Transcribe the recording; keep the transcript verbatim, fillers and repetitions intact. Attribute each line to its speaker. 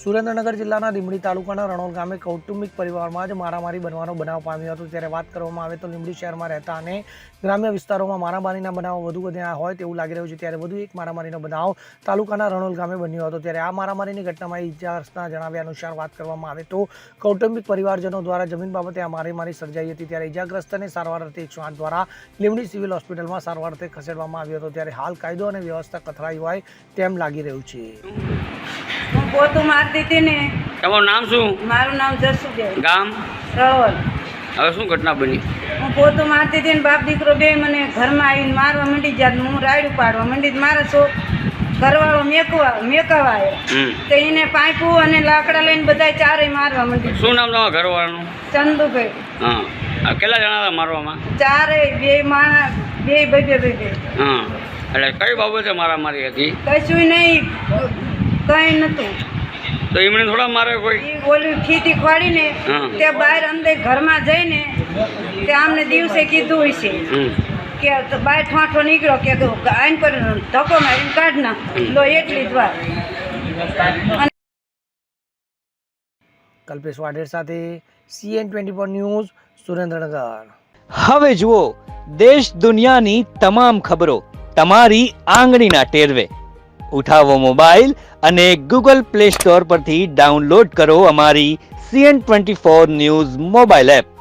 Speaker 1: સુરેન્દ્રનગર જિલ્લાના લીંબડી તાલુકાના રણોલ ગામે કૌટુંબિક પરિવારમાં જ મારામારી બનવાનો બનાવ પામ્યો હતો। ત્યારે વાત કરવામાં આવે તો લીંબડી શહેરમાં રહેતા અને ગ્રામ્ય વિસ્તારોમાં મારામારીના બનાવો વધુ વધ્યા હોય તેવું લાગી રહ્યું છે। ત્યારે વધુ એક મારામારીનો બનાવ તાલુકાના રણોલ ગામે બન્યો હતો। ત્યારે આ મારામારીની ઘટનામાં ઇજાગ્રસ્તના જણાવ્યા અનુસાર વાત કરવામાં આવે તો કૌટુંબિક પરિવારજનો દ્વારા જમીન બાબતે આ મારામારી સર્જાઈ હતી। ત્યારે ઇજાગ્રસ્તને સારવાર અર્થે એકસો આઠ દ્વારા લીંબડી સિવિલ હોસ્પિટલમાં સારવાર અર્થે ખસેડવામાં આવ્યો હતો। ત્યારે હાલ કાયદો અને વ્યવસ્થા કથળાઈ હોય તેમ લાગી રહ્યું છે।
Speaker 2: હું પોતું મારતી હતી ને।
Speaker 3: તમારું નામ શું?
Speaker 2: મારું નામ જસુબેન,
Speaker 3: ગામ
Speaker 2: રણોલ।
Speaker 3: હવે શું ઘટના બની?
Speaker 2: હું પોતું મારતી હતી ને બાપ દીકરો બે મને ઘરમાં આવીને મારવા માંડી જાત। હું રાયડું પાડવા માંડી, મારા છો ઘરવાળો મેકવા મેકાવા આવ્યો તો એને પાઇપું અને લાકડા લઈને બધા ચારે મારવા માંડી।
Speaker 3: શું નામ તમારા ઘરવાળાનું?
Speaker 2: ચંદુભાઈ।
Speaker 3: હા, આ કેટલા જણા હતા મારવામાં?
Speaker 2: ચારે બે માણસ, બે બે બે બે બે
Speaker 3: હા, એટલે કઈ બાબતે મારામારી હતી?
Speaker 2: કશું નહીં, કઈ નતું।
Speaker 3: તો એમણે થોડા મારે કોઈ?
Speaker 2: એ ઓલી ખીતી ખોડીને તે બહાર અંદર ઘરમાં જઈને તે આમને દિવસે કીધું હશે કે બહાર ઠોઠો નીકળ્યો કે આઈન પર ધક્કો મારીને કાઢ નાખ લો, એટલી જ વાત।
Speaker 1: કલ્પેશ વાઢેર સાથે CN twenty four news, Surendranagar.
Speaker 4: હવે જુઓ દેશ દુનિયાની તમામ ખબરો તમારી આંગળીના ટેરવે। ઉઠાવો મોબાઈલ અને ગૂગલ પ્લે સ્ટોર પરથી ડાઉનલોડ કરો અમારી CN twenty four news mobile app.